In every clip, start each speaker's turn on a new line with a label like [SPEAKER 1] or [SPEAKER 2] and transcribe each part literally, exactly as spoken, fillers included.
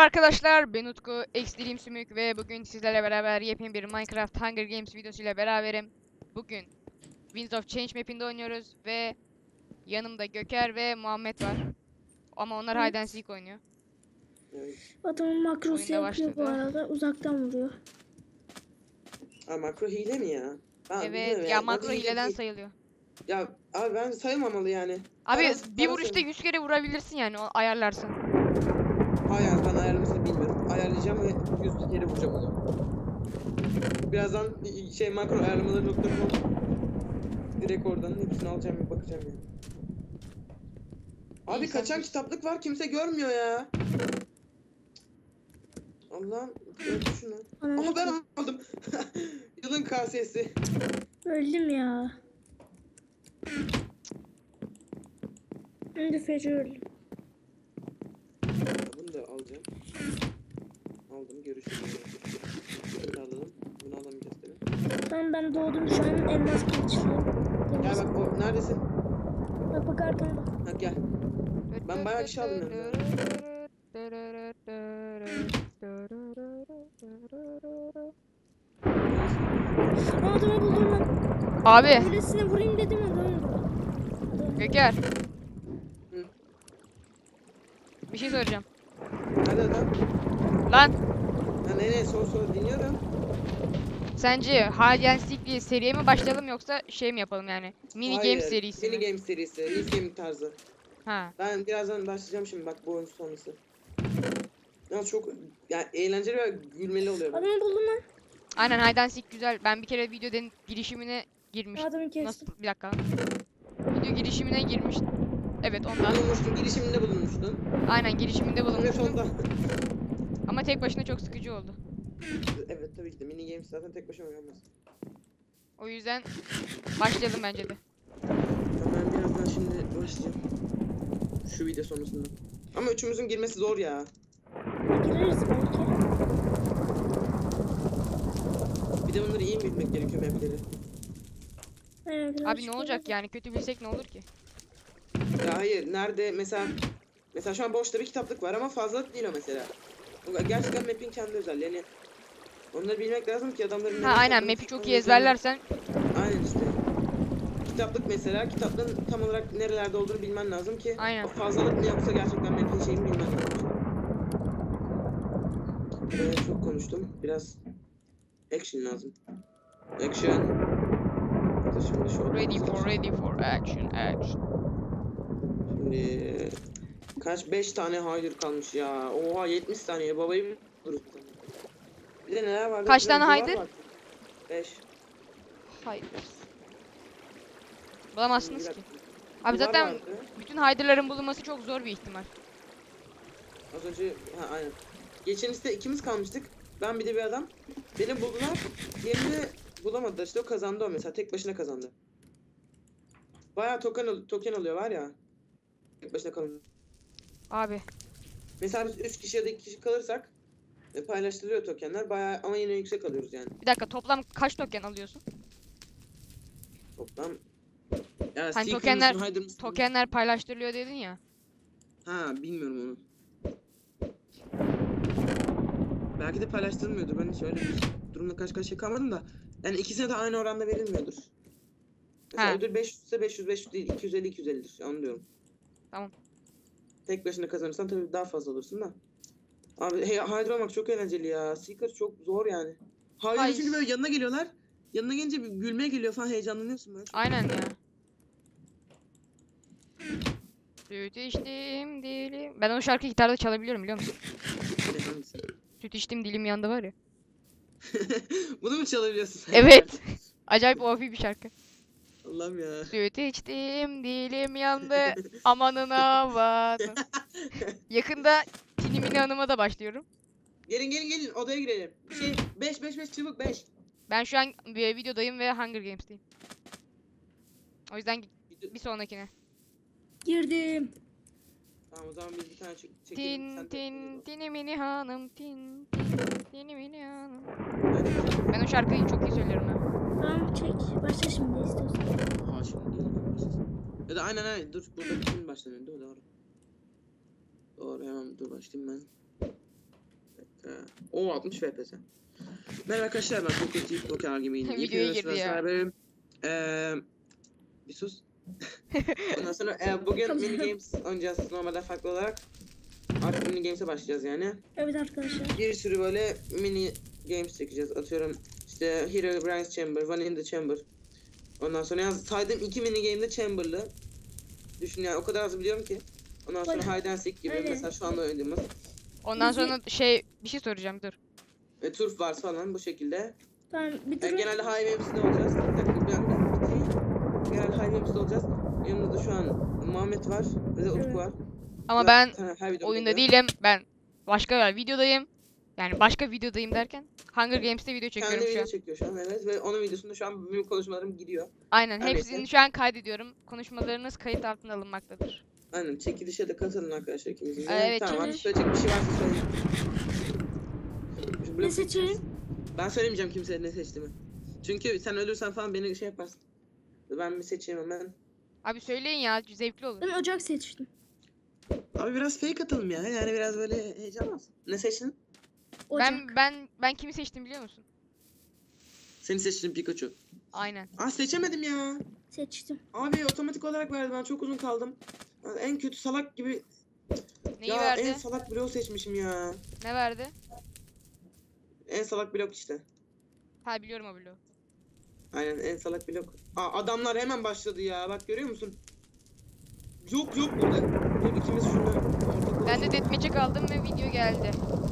[SPEAKER 1] arkadaşlar, ben Utku, X Sümük ve bugün sizlerle beraber yepyeni bir Minecraft Hunger Games videosuyla beraberim. Bugün Winds of Change map'inde oynuyoruz ve yanımda Göker ve Muhammed var. Ama onlar
[SPEAKER 2] Evet.
[SPEAKER 1] Hide and Seek oynuyor.
[SPEAKER 2] Adamın makrosu
[SPEAKER 1] Oyunda
[SPEAKER 2] yapıyor bu
[SPEAKER 1] başladı.
[SPEAKER 2] arada. Uzaktan vuruyor.
[SPEAKER 3] Ha, makro hile mi ya? Ben bilmiyorum
[SPEAKER 1] Evet, ya makro
[SPEAKER 3] Bence hile
[SPEAKER 1] hileden
[SPEAKER 3] değil.
[SPEAKER 1] sayılıyor.
[SPEAKER 3] Ya abi ben sayılmamalı yani.
[SPEAKER 1] Abi
[SPEAKER 3] Bana-
[SPEAKER 1] bir
[SPEAKER 3] bana
[SPEAKER 1] vuruşta
[SPEAKER 3] sayın.
[SPEAKER 1] yüz kere vurabilirsin yani, o ayarlarsın.
[SPEAKER 3] Hayır ben ayarlamasını bilmiyorum. Ayarlayacağım ve yüz kere vuracağım o zaman. Birazdan şey makro ayarlamaları nokta com direkt oradan hepsini alacağım ve bakacağım yani. Abi
[SPEAKER 1] İyi, sen
[SPEAKER 3] kaçan
[SPEAKER 1] bil.
[SPEAKER 3] kitaplık var kimse görmüyor ya. Allah'ım gördü şunu.
[SPEAKER 2] Anam
[SPEAKER 3] Ama ben aldım. Yılın kasesi.
[SPEAKER 2] öldüm ya. Şimdi feci öldüm.
[SPEAKER 3] Bunu da alacağım. Aldım görüşürüz. Bunu da alalım. Bunu alamayacağız değil mi?
[SPEAKER 2] Tamam, ben doğdum şu an elmas kılıçlıyım.
[SPEAKER 3] Gel bak o neredesin?
[SPEAKER 2] Bak bak arkamda.
[SPEAKER 3] Ha gel. Ben bayağı kişi aldım ya.
[SPEAKER 2] Aa, adamı buldum lan.
[SPEAKER 1] Abi
[SPEAKER 2] Öylesine vurayım dedim adamı.
[SPEAKER 1] Göker,
[SPEAKER 3] Hı.
[SPEAKER 1] bir şey soracağım.
[SPEAKER 3] Nerede adam?
[SPEAKER 1] Lan
[SPEAKER 3] Ha ne ne sor sor dinliyorum.
[SPEAKER 1] sence Hide and Seek diye seriye mi başlayalım yoksa şey mi yapalım yani? Mini
[SPEAKER 3] Hayır,
[SPEAKER 1] Games serisi
[SPEAKER 3] Mini
[SPEAKER 1] mi?
[SPEAKER 3] Games serisi. Risk Gaming tarzı.
[SPEAKER 1] Ha.
[SPEAKER 3] Ben birazdan başlayacağım şimdi bak bu oyun sonrası. Yalnız çok yani eğlenceli ve gülmeli oluyor. bu.
[SPEAKER 2] Adamı buldum lan.
[SPEAKER 1] Aynen, Hide and Seek güzel. Ben bir kere videonun girişimine girmiştim.
[SPEAKER 2] Adamı
[SPEAKER 1] Nasıl?
[SPEAKER 2] kestim.
[SPEAKER 1] Bir dakika. Video girişimine girmiştim. Evet, ondan.
[SPEAKER 3] Bulunmuştun, girişiminde bulunmuştun.
[SPEAKER 1] Aynen, girişiminde
[SPEAKER 3] Evet
[SPEAKER 1] bulunmuştum.
[SPEAKER 3] ondan.
[SPEAKER 1] Ama tek başına çok sıkıcı oldu.
[SPEAKER 3] Evet tabii ki de Mini Games zaten tek başına oynanmaz.
[SPEAKER 1] O yüzden başlayalım bence de.
[SPEAKER 3] Ben birazdan şimdi başlayacağım. Şu video sonrasında. Ama üçümüzün girmesi zor ya.
[SPEAKER 2] Gireriz belki.
[SPEAKER 3] Bir de bunları iyi mi bilmek gerekiyor mapleri?
[SPEAKER 2] Aynen,
[SPEAKER 1] Abi
[SPEAKER 2] birazcık
[SPEAKER 1] ne olacak
[SPEAKER 2] gireriz.
[SPEAKER 1] yani, kötü bilsek ne olur ki?
[SPEAKER 3] Ya hayır nerede mesela mesela şu an boşta bir kitaplık var ama fazla değil o mesela. O gerçekten map'in kendi özelliği. Yani onları bilmek lazım ki adamların
[SPEAKER 1] Ha
[SPEAKER 3] nereye
[SPEAKER 1] aynen,
[SPEAKER 3] saklanıp
[SPEAKER 1] map'i çok iyi
[SPEAKER 3] saklanmayacağını-
[SPEAKER 1] ezberlersen.
[SPEAKER 3] Aynen işte. Kitaplık mesela kitapların tam olarak nerelerde olduğunu bilmen lazım ki
[SPEAKER 1] Aynen.
[SPEAKER 3] o fazlalık ne yoksa gerçekten map'in şeyini bilmen lazım. Evet, çok konuştum. Biraz action lazım. Action. Şimdi şu
[SPEAKER 1] Ready for ready for action action.
[SPEAKER 3] Şimdi kaç beş tane hayır kalmış ya. Oha yetmiş saniye babayı durur. Bir de neler var?
[SPEAKER 1] Kaç tane haydır?
[SPEAKER 3] beş.
[SPEAKER 1] Hayır. Bulamazsınız ki. Abi
[SPEAKER 3] Duvar
[SPEAKER 1] zaten
[SPEAKER 3] vardı.
[SPEAKER 1] bütün hider'ların bulunması çok zor bir ihtimal.
[SPEAKER 3] Az önce ha aynen. Geçen işte ikimiz kalmıştık. Ben bir de bir adam. Beni buldular. Diğerini bulamadılar. İşte o kazandı o mesela. Tek başına kazandı. Bayağı token, al- token oluyor var ya. Tek başına kalın.
[SPEAKER 1] Abi
[SPEAKER 3] Mesela biz üç kişi ya da iki kişi kalırsak e, paylaştırılıyor tokenler. Bayağı ama yine yüksek alıyoruz yani.
[SPEAKER 1] bir dakika, toplam kaç token alıyorsun?
[SPEAKER 3] Toplam. Ya
[SPEAKER 1] Hani
[SPEAKER 3] Seeker
[SPEAKER 1] tokenler
[SPEAKER 3] mısın, Hider mısın?
[SPEAKER 1] tokenler paylaştırılıyor dedin ya.
[SPEAKER 3] Ha bilmiyorum onu. Belki de paylaştırılmıyordur. Ben hiç öyle bir durumla karşı karşıya kalmadım da. Yani ikisine de aynı oranda verilmiyordur. Mesela
[SPEAKER 1] Ha.
[SPEAKER 3] ödül beş yüz ise beş yüz beş yüz değil. iki yüz elli iki yüz ellidir. Onu diyorum.
[SPEAKER 1] Tamam.
[SPEAKER 3] Tek başına kazanırsan tabii daha fazla olursun da. Abi hey, Hider olmak çok eğlenceli ya. Seeker çok zor yani. Hider
[SPEAKER 1] Hayır.
[SPEAKER 3] çünkü böyle yanına geliyorlar. Yanına gelince bir gülmeye geliyor falan, heyecanlanıyorsun böyle.
[SPEAKER 1] Aynen ya. Süt içtim dilim. Ben o şarkıyı gitarda çalabiliyorum, biliyor musun?
[SPEAKER 3] Ne, hangisi?
[SPEAKER 1] Süt içtim dilim yandı var ya.
[SPEAKER 3] Bunu mu çalabiliyorsun sen?
[SPEAKER 1] Evet. Acayip O P bir şarkı.
[SPEAKER 3] Allah'ım ya.
[SPEAKER 1] Süt içtim dilim yandı. Amanın avanı. Yakında Tini Mini Hanım'a da başlıyorum.
[SPEAKER 3] Gelin gelin gelin odaya girelim. Şey beş beş beş çabuk beş.
[SPEAKER 1] Ben şu an bir videodayım ve Hunger Games'teyim. O yüzden bir sonrakine.
[SPEAKER 2] Girdim.
[SPEAKER 3] Tamam o zaman biz bir tane çek çekelim.
[SPEAKER 1] Tin
[SPEAKER 3] Sen de-
[SPEAKER 1] tin tini mini hanım tin tin tini mini hanım.
[SPEAKER 3] Hadi.
[SPEAKER 1] Ben o şarkıyı çok iyi söylüyorum ha.
[SPEAKER 2] Tamam, çek. Başla şimdi istiyorsan.
[SPEAKER 3] Ha şimdi değil. Ya da aynen aynen dur burada bütün başlanıyor değil mi? Doğru. Doğru hemen dur başlayayım ben. Ee, o altmış F P S. Merhaba arkadaşlar, ben Pocket Yiğit Poker Gaming'in
[SPEAKER 1] Videoya girdi ya.
[SPEAKER 3] Ee, bir sus. Ondan sonra e, bugün mini games oynayacağız normalde farklı olarak. Artık mini games'e başlayacağız yani.
[SPEAKER 2] Evet arkadaşlar.
[SPEAKER 3] Bir sürü böyle mini games çekeceğiz. Atıyorum işte Hero Brian's Chamber, One in the Chamber. Ondan sonra yalnız saydığım iki mini game'de Chamber'lı. Düşün yani, o kadar az biliyorum ki. Ondan sonra
[SPEAKER 2] Bak-
[SPEAKER 3] Hide and Seek gibi
[SPEAKER 2] Aynen.
[SPEAKER 3] mesela şu anda oynadığımız.
[SPEAKER 1] Ondan
[SPEAKER 2] Bizi-
[SPEAKER 1] sonra şey bir şey soracağım dur.
[SPEAKER 3] E, Turf Wars falan bu şekilde.
[SPEAKER 2] Tamam bir
[SPEAKER 3] Yani
[SPEAKER 2] dur.
[SPEAKER 3] genelde High Webs'de olacağız. Bir dakika bir anda bitireyim. Genelde High Webs'de olacağız. Yanımda da şu an Muhammed var ve de Utku
[SPEAKER 2] Evet.
[SPEAKER 3] var.
[SPEAKER 1] Ama
[SPEAKER 3] Zaten
[SPEAKER 1] ben
[SPEAKER 3] her videomda
[SPEAKER 1] oyunda
[SPEAKER 3] oluyor.
[SPEAKER 1] değilim. Ben başka bir videodayım. Yani başka videodayım derken Hunger Games'te video çekiyorum
[SPEAKER 3] Kendi
[SPEAKER 1] şu
[SPEAKER 3] video
[SPEAKER 1] an.
[SPEAKER 3] çekiyor şu an, evet, ve onun videosunda şu an benim konuşmalarım gidiyor.
[SPEAKER 1] Aynen,
[SPEAKER 3] Her
[SPEAKER 1] hepsini
[SPEAKER 3] neyse.
[SPEAKER 1] şu an kaydediyorum. Konuşmalarınız kayıt altına alınmaktadır.
[SPEAKER 3] Aynen, çekilişe de katılın arkadaşlar ikimizin de.
[SPEAKER 1] Aa, evet,
[SPEAKER 3] tamam,
[SPEAKER 2] çekiliş.
[SPEAKER 3] söyleyecek bir şey varsa söyleyin. Şu
[SPEAKER 2] Ne
[SPEAKER 3] blok-
[SPEAKER 2] seçelim?
[SPEAKER 3] Ben söylemeyeceğim kimseye ne seçtiğimi. Çünkü sen ölürsen falan beni şey yaparsın. Ben bir seçeyim hemen.
[SPEAKER 1] Abi söyleyin ya, zevkli olur.
[SPEAKER 2] Ben ocak seçtim.
[SPEAKER 3] Abi biraz fake atalım ya. Yani biraz böyle heyecan olsun. Ne seçtin?
[SPEAKER 2] Ocak.
[SPEAKER 1] Ben ben ben kimi seçtim biliyor musun?
[SPEAKER 3] Seni seçtim, Pikachu.
[SPEAKER 1] Aynen.
[SPEAKER 3] Aa, seçemedim ya.
[SPEAKER 2] Seçtim.
[SPEAKER 3] Abi otomatik olarak verdi, ben çok uzun kaldım. Yani en kötü salak gibi.
[SPEAKER 1] Neyi
[SPEAKER 3] ya
[SPEAKER 1] verdi?
[SPEAKER 3] en salak blok seçmişim ya.
[SPEAKER 1] Ne verdi?
[SPEAKER 3] En salak blok işte.
[SPEAKER 1] Ha, biliyorum o bloğu.
[SPEAKER 3] Aynen, en salak blok. Aa, adamlar hemen başladı ya. Bak görüyor musun? Yok yok burada. Dur ikimiz şurada. ortak
[SPEAKER 1] Ben de
[SPEAKER 3] olalım.
[SPEAKER 1] deathmatch'e kaldım ve video geldi.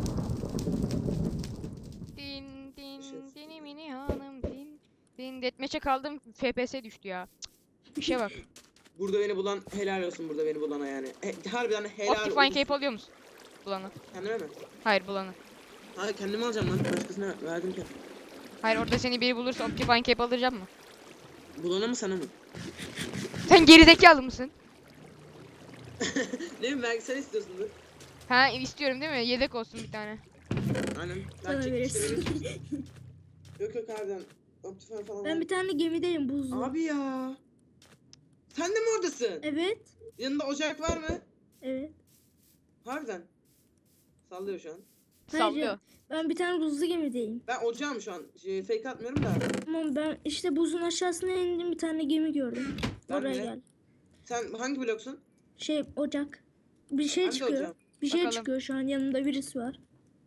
[SPEAKER 1] Din din
[SPEAKER 3] Şef.
[SPEAKER 1] dini mini hanım din din deathmatch'e kaldım, F P S düştü ya. Cık, İşe bak.
[SPEAKER 3] Burada beni bulan helal olsun, burada beni bulana yani. He, harbiden helal
[SPEAKER 1] Optifine
[SPEAKER 3] olsun.
[SPEAKER 1] Cape alıyor musun? Bulanı.
[SPEAKER 3] Kendime mi?
[SPEAKER 1] Hayır, bulanı.
[SPEAKER 3] Hayır, kendime alacağım lan. Başkasına verdim ki.
[SPEAKER 1] Hayır, orada seni biri bulursa Optifine Cape alacağım mı?
[SPEAKER 3] Bulana mı sana mı?
[SPEAKER 1] Sen gerizekalı mısın?
[SPEAKER 3] Ne bileyim, belki sen istiyorsun dur.
[SPEAKER 1] Ha, istiyorum değil mi? Yedek olsun bir tane.
[SPEAKER 3] Aynen.
[SPEAKER 2] Bana
[SPEAKER 3] Ben çekilişte
[SPEAKER 2] verirsin.
[SPEAKER 3] veririm. Yok yok harbiden. Optifine falan
[SPEAKER 2] Ben
[SPEAKER 3] var.
[SPEAKER 2] bir tane gemideyim buzlu.
[SPEAKER 3] Abi ya. Sen de mi oradasın?
[SPEAKER 2] Evet.
[SPEAKER 3] Yanında ocak var mı?
[SPEAKER 2] Evet.
[SPEAKER 3] Harbiden. Sallıyor şu an.
[SPEAKER 2] Hayır,
[SPEAKER 1] Sallıyor.
[SPEAKER 2] Ben bir tane buzlu gemideyim.
[SPEAKER 3] Ben ocağım şu an. Şey, fake atmıyorum da.
[SPEAKER 2] Ama ben işte buzun aşağısına indim, bir tane gemi gördüm.
[SPEAKER 3] Ben
[SPEAKER 2] Oraya
[SPEAKER 3] de.
[SPEAKER 2] gel.
[SPEAKER 3] Sen hangi bloksun?
[SPEAKER 2] Şey ocak. Bir şey
[SPEAKER 3] Ben de
[SPEAKER 2] çıkıyor.
[SPEAKER 3] ocağım.
[SPEAKER 2] Bir şey
[SPEAKER 1] Bakalım.
[SPEAKER 2] çıkıyor şu an, yanımda birisi var.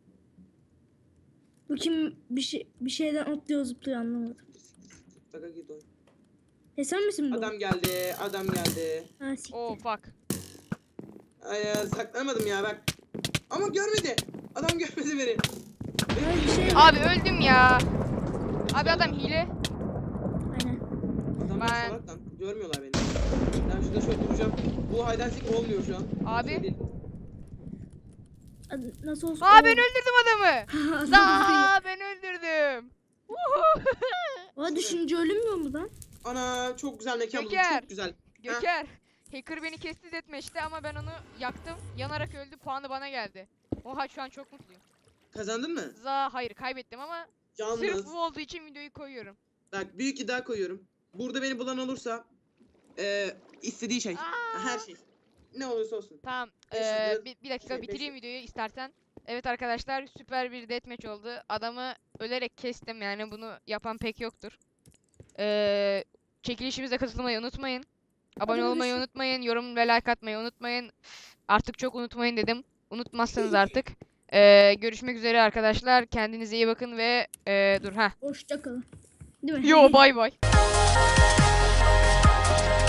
[SPEAKER 2] Bu kim, bir şey bir şeyden atlıyor zıplıyor, anlamadım.
[SPEAKER 3] Baka git o.
[SPEAKER 2] E sen misin bu?
[SPEAKER 3] Adam geldi. Adam geldi.
[SPEAKER 2] Ha, siktir.
[SPEAKER 1] Oh fuck.
[SPEAKER 3] Ay ya, saklanamadım ya bak. Ama görmedi. Adam görmedi beni.
[SPEAKER 2] Ha, bir şey var.
[SPEAKER 1] Abi öldüm ya. Abi adam hile.
[SPEAKER 2] Aynen.
[SPEAKER 3] Adamlar
[SPEAKER 1] Ben-
[SPEAKER 3] salak lan. Görmüyorlar beni. Ben şurada şöyle duracağım. Bu haydansik olmuyor şu an.
[SPEAKER 1] Abi.
[SPEAKER 3] Şey değil.
[SPEAKER 2] Ad- Nasıl olsun?
[SPEAKER 1] Aa,
[SPEAKER 2] Oo.
[SPEAKER 1] ben öldürdüm adamı.
[SPEAKER 2] Adam
[SPEAKER 1] Za ben öldürdüm.
[SPEAKER 2] Aa, düşünce ölünmüyor mu lan?
[SPEAKER 3] Ana, çok güzel mekan buldum.
[SPEAKER 1] Göker.
[SPEAKER 3] Çok güzel.
[SPEAKER 1] Göker. Hacker beni kesti deathmatch'te ama ben onu yaktım. Yanarak öldü. Puanı bana geldi. Oha, şu an çok mutluyum.
[SPEAKER 3] Kazandın mı?
[SPEAKER 1] Za hayır, kaybettim ama sırf
[SPEAKER 3] Yalnız.
[SPEAKER 1] bu olduğu için videoyu koyuyorum.
[SPEAKER 3] Bak, büyük iddia koyuyorum. Burada beni bulan olursa eee istediği şey.
[SPEAKER 1] Aa!
[SPEAKER 3] Her şey. Ne olursa olsun.
[SPEAKER 1] Tamam.
[SPEAKER 3] Beş
[SPEAKER 1] eee,
[SPEAKER 3] yıldız-
[SPEAKER 1] bir, bir dakika
[SPEAKER 3] şey, beş
[SPEAKER 1] bitireyim
[SPEAKER 3] yıldız.
[SPEAKER 1] videoyu istersen. Evet arkadaşlar, süper bir deathmatch oldu. Adamı ölerek kestim, yani bunu yapan pek yoktur. Eee çekilişimize katılmayı unutmayın. Abone
[SPEAKER 2] Hadi
[SPEAKER 1] olmayı
[SPEAKER 2] görüşürüz.
[SPEAKER 1] unutmayın. Yorum ve like atmayı unutmayın. Artık çok unutmayın dedim. Unutmazsanız artık. Eee, görüşmek üzere arkadaşlar. Kendinize iyi bakın ve eee, dur ha.
[SPEAKER 2] Hoşça kalın. Değil mi?
[SPEAKER 1] Yo, bay bay.